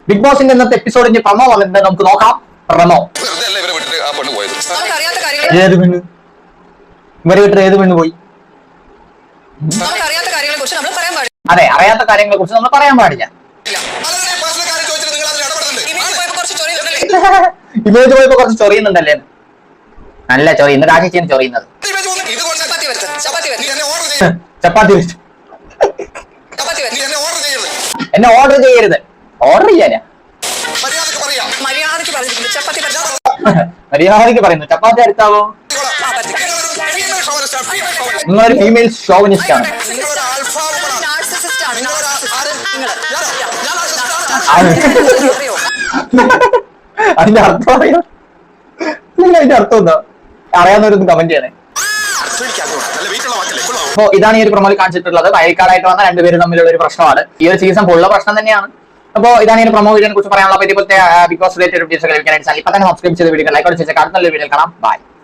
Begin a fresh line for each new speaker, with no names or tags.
Big ബോസിന്റെ ഇന്നത്തെ എപ്പിസോഡിന്റെ promo വന്നിട്ടുണ്ട്, നമുക്ക് നോക്കാം. പ്രമോ. ഏത് പെണ്ണ്? ഇവരെ വിട്ട് ഏത് പെണ്ണ് പോയി? അതെ, അറിയാത്ത കാര്യങ്ങളെ കുറിച്ച് നമ്മൾ പറയാൻ പാടില്ല. ഇമേജ് പോയപ്പോ കുറച്ച് ചൊറിയുന്നുണ്ടല്ലേ? നല്ല ചൊറി. ഇന്ന് രാശിച്ചാണ് ചൊറിയുന്നത്. ചപ്പാത്തി വെച്ചു. എന്നെ ഓർഡർ ചെയ്യരുത്. ഓർഡർ ചെയ്യാനാ മര്യാദക്ക് പറയുന്നു. ചപ്പാത്തി അടുത്താവോ? നിങ്ങളൊരു ഫീമെയിൽ ഷോവനിസ്റ്റ് ആണ്. അതിന്റെ അർത്ഥം അറിയാം? അതിന്റെ അർത്ഥം എന്താ അറിയാവുന്നവരൊന്ന് കമന്റ് ചെയ്യണേ. അപ്പോ ഇതാണ് ഈ ഒരു പ്രൊമോയിൽ കാണിച്ചിട്ടുള്ളത്. വയൽക്കാരായിട്ട് വന്ന രണ്ടുപേരും തമ്മിലുള്ള ഒരു പ്രശ്നമാണ്. ഈ ഒരു സീസൺ ഫുള്ള പ്രശ്നം തന്നെയാണ്. അപ്പോൾ ഇതാണ് ഈ പ്രൊമോ വീഡിയോനെ കുറിച്ച് പറയാനുള്ള. ഇപ്പോഴത്തെ ബിഗ് ബോസ് റിലേറ്റഡ് വീഡിയോസ് ലഭിക്കാനായിട്ട് ഇപ്പൊ തന്നെ സബ്സ്ക്രൈബ് ചെയ്ത വീഡിയോ ലൈക്ക് അടിച്ച് അടുത്ത വീഡിയോയിൽ കാണാം. ബൈ.